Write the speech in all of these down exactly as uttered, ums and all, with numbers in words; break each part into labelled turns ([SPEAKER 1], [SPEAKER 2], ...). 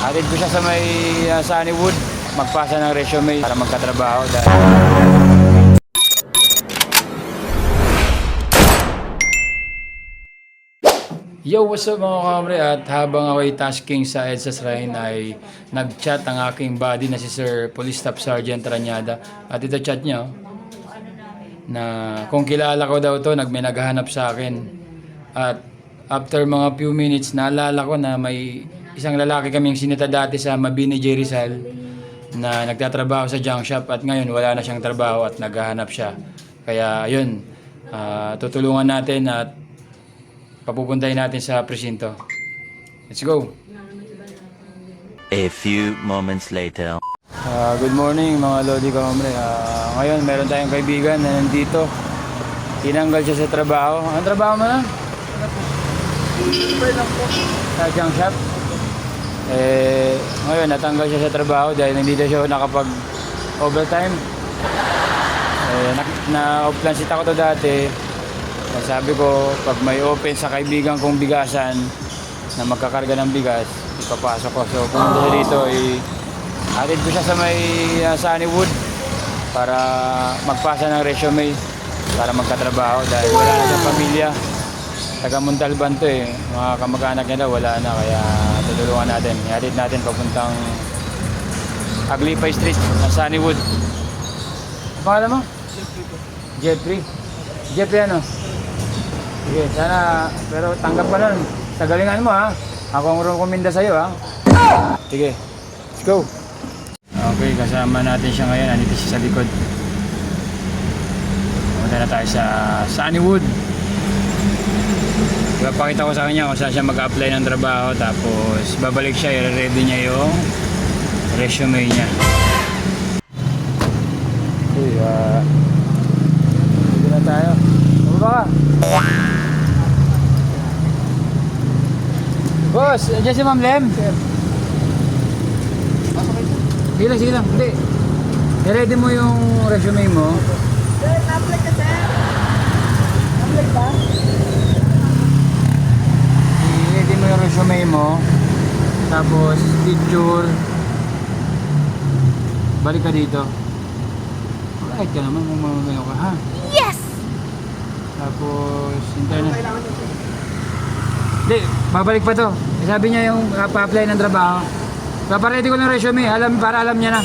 [SPEAKER 1] Atid ko siya sa may uh, Sunnywood, magpasa ng resume para magkatrabaho. Dahil yo, what's up mga kamre? At habang ako'y tasking sa EDSA Shrine ay nag-chat ang aking buddy na si Sir Police Staff Sergeant Ranyada. At ito chat niya, oh, na kung kilala ko daw to, nag may naghahanap sa akin. At after mga few minutes, naalala ko na may isang lalaki kaming sinita dati sa Mabini J. Rizal na nagtatrabaho sa junk shop at ngayon wala na siyang trabaho at naghahanap siya. Kaya yun, uh, tutulungan natin at papupuntahin natin sa presinto. Let's go!
[SPEAKER 2] A few moments later.
[SPEAKER 1] Uh, good morning mga Lodi Kamre. Uh, ngayon meron tayong kaibigan na nandito. Tinanggal siya sa trabaho. Anong trabaho mo na? Sa junk shop? Eh, ngayon natanggal siya sa trabaho dahil hindi siya nakapag overtime. Eh, na-off plan sit ako to dati. Sabi ko, pag may open sa kaibigan kong bigasan na magkakarga ng bigas, ipapasok ko. So, pumunta siya dito, eh, atid ko siya sa may uh, Sunnywood para magpasa ng resume para magkatrabaho dahil wala na siyang pamilya. Taga Montalban to eh. Mga kamag-anak niya daw, wala na. Kaya tutulungan natin. Atid natin papuntang Aglipay Street na Sunnywood. Pangalan mo? Jeffrey. Jeffrey ano? Sige, sana, pero tanggap ka nun. Sa galingan mo ha. Ako ang rukuminda sa'yo ha. Sige, let's go. Okay, kasama natin siya ngayon. Andito siya sa likod. Pumunta na tayo sa Sunnywood. Ipapakita ko sa kanya kung saan siya mag-apply ng trabaho. Tapos babalik siya, i-ready niya yung resume niya. Okay, uh, dito na tayo. Ano ba ka? Boss, dyan si Ma'am Lem? Sir. Sige lang, sige lang. Hindi. I-ready mo yung resume mo.
[SPEAKER 3] Sir, na-apply ka, sir. Na-apply ba?
[SPEAKER 1] I-ready mo yung resume mo. Tapos, picture. Balik ka dito. Alright ka naman kung mamamayo ka, ha?
[SPEAKER 3] Yes!
[SPEAKER 1] Tapos, internet. Hindi, babalik pa to. Sabi niya yung uh, pa-apply ng trabaho. Papaready ko ng resume, alam, para alam niya na.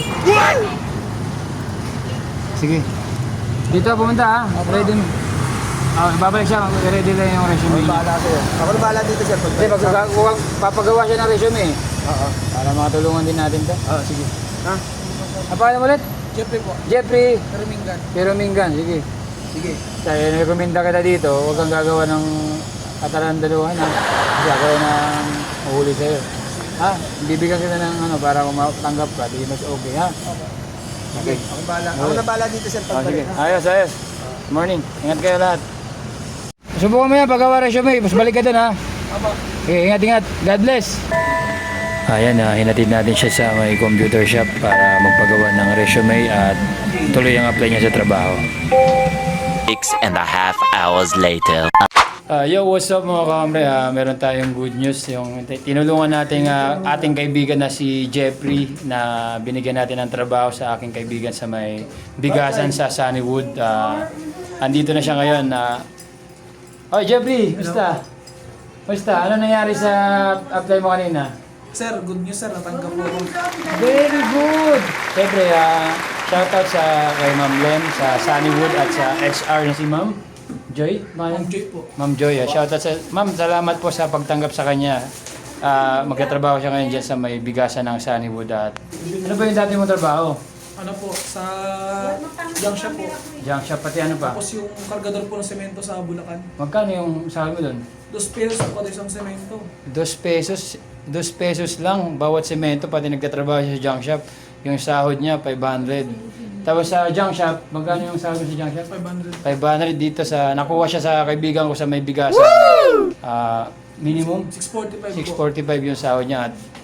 [SPEAKER 1] Sige. Dito pumunta ha, ready mo. Oh, babalik siya, ready lang yung resume.
[SPEAKER 4] Ako bahala sa'yo. Ako na bahala dito sir.
[SPEAKER 1] Hindi, pag papagawa siya ng resume. Oo. Para makatulungan din natin to.
[SPEAKER 4] Oo, sige. Ha?
[SPEAKER 1] Ang pangalan mo ulit?
[SPEAKER 4] Jeffrey po.
[SPEAKER 1] Jeffrey.
[SPEAKER 4] Pero Mingan.
[SPEAKER 1] Pero Mingan, sige.
[SPEAKER 4] Sige.
[SPEAKER 1] Kaya recommenda kita dito, huwag kang gagawa ng katarandaluhan ha. Kasi ako nang mahuli sa'yo. Ha? Bibigyan kita ng ano para kung matanggap ka, di mas okay ha? Okay.
[SPEAKER 4] Ako bahala. Ako na bahala dito sir.
[SPEAKER 1] Oh, sige.
[SPEAKER 4] Pagbalik. ha?
[SPEAKER 1] Ayos, ayos. Morning. Ingat kayo lahat. Subukan mo yan, paggawa resume. Mas balik ka dun ha.
[SPEAKER 4] Apo.
[SPEAKER 1] Okay, ingat, ingat. God bless. Ayan, uh, hinatid natin siya sa may computer shop para magpagawa ng resume at tuloy ang apply niya sa trabaho.
[SPEAKER 2] Six and a half hours later.
[SPEAKER 1] Uh, yo, what's up mga kamre? Uh, meron tayong good news. Yung tinulungan natin uh, ating kaibigan na si Jeffrey na binigyan natin ng trabaho sa aking kaibigan sa may bigasan sa Sunnywood. Uh, andito na siya ngayon. Uh, oh, Jeffrey, basta? Basta, ano nangyari sa apply mo kanina?
[SPEAKER 4] Sir, good news sir. Natanggap po ako.
[SPEAKER 1] Very good! Siyempre, uh, shoutout sa kay Ma'am Lem sa Sunnywood at sa H R na si Ma'am Joy.
[SPEAKER 4] Ma'am Joy po.
[SPEAKER 1] Ma'am Joy, uh, shoutout sa Ma'am, salamat po sa pagtanggap sa kanya. Uh, magtatrabaho siya ngayon dyan sa may bigasan ng Sunnywood. At ano ba yung dati mong trabaho?
[SPEAKER 4] Ano po, sa junk shop po.
[SPEAKER 1] Junk shop, pati ano pa?
[SPEAKER 4] Tapos yung kargador po ng semento sa Bulacan.
[SPEAKER 1] Magkano yung sahod mo doon?
[SPEAKER 4] Dos pesos po isang semento.
[SPEAKER 1] Dos pesos, dos pesos lang bawat semento, pati nagtatrabaho siya sa junk shop. Yung sahod niya, five hundred. Tapos sa junk shop, magkano yung sahod mo sa junk shop?
[SPEAKER 4] five hundred.
[SPEAKER 1] five hundred dito sa, nakuha siya sa kaibigan ko sa may bigasan. Ah, minimum
[SPEAKER 4] six forty-five
[SPEAKER 1] six
[SPEAKER 4] po.
[SPEAKER 1] forty-five yung sahod niya. At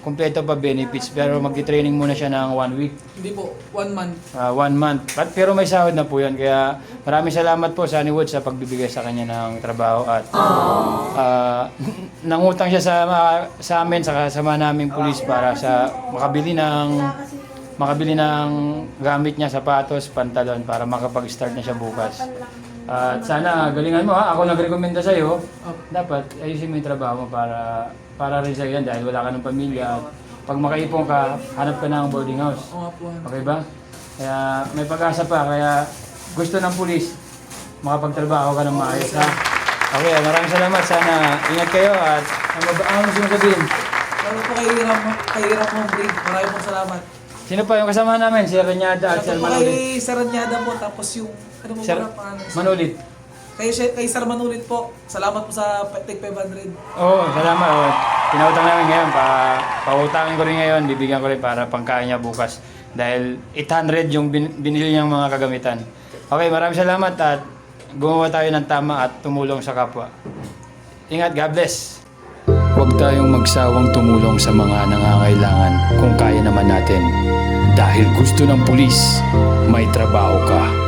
[SPEAKER 1] kumpleto pa benefits pero magti-training muna siya ng one week.
[SPEAKER 4] Hindi po, one month.
[SPEAKER 1] Ah, one month. But, pero may sahod na po yan. Kaya maraming salamat po sa Honeywood sa pagbibigay sa kanya ng trabaho. At ah, nangutang siya sa, sa amin, sa kasama naming pulis para sa makabili ng makabili ng gamit niya, sapatos, pantalon para makapag-start na siya bukas. At sana galingan mo ha. Ako nagrekomenda sa iyo. Dapat ayusin mo yung trabaho mo para para rin sa yan dahil wala ka ng pamilya. At pag makaipon ka, hanap ka ng boarding house.
[SPEAKER 4] Oo nga po. ano.
[SPEAKER 1] Okay ba? Kaya may pag-asa pa. Kaya gusto ng pulis makapagtrabaho ka ng maayos ha. Okay, maraming salamat. Sana ingat kayo at ano ba ang gusto mo sabihin?
[SPEAKER 4] Lalo po kay Ram, kay Ram Hombre. Maraming pong salamat.
[SPEAKER 1] Sino pa yung kasama namin? Si Renyada at
[SPEAKER 4] Lalo
[SPEAKER 1] Sir
[SPEAKER 4] po
[SPEAKER 1] Manulit.
[SPEAKER 4] kay Sir Anyada po, tapos yung, ano mo
[SPEAKER 1] Sir
[SPEAKER 4] ba pangalan?
[SPEAKER 1] Manulit.
[SPEAKER 4] Kay, kay Sir Manulit po, salamat po sa Take five hundred.
[SPEAKER 1] Oo, salamat. Oh. Pinautang namin ngayon. Pa, pautangin ko rin ngayon. Bibigyan ko rin para pangkain niya bukas. Dahil eight hundred yung bin, binili niyang mga kagamitan. Okay, maraming salamat at gumawa tayo ng tama at tumulong sa kapwa. Ingat, God bless. Huwag tayong magsawang tumulong sa mga nangangailangan kung kaya naman natin. Dahil gusto ng pulis, may trabaho ka.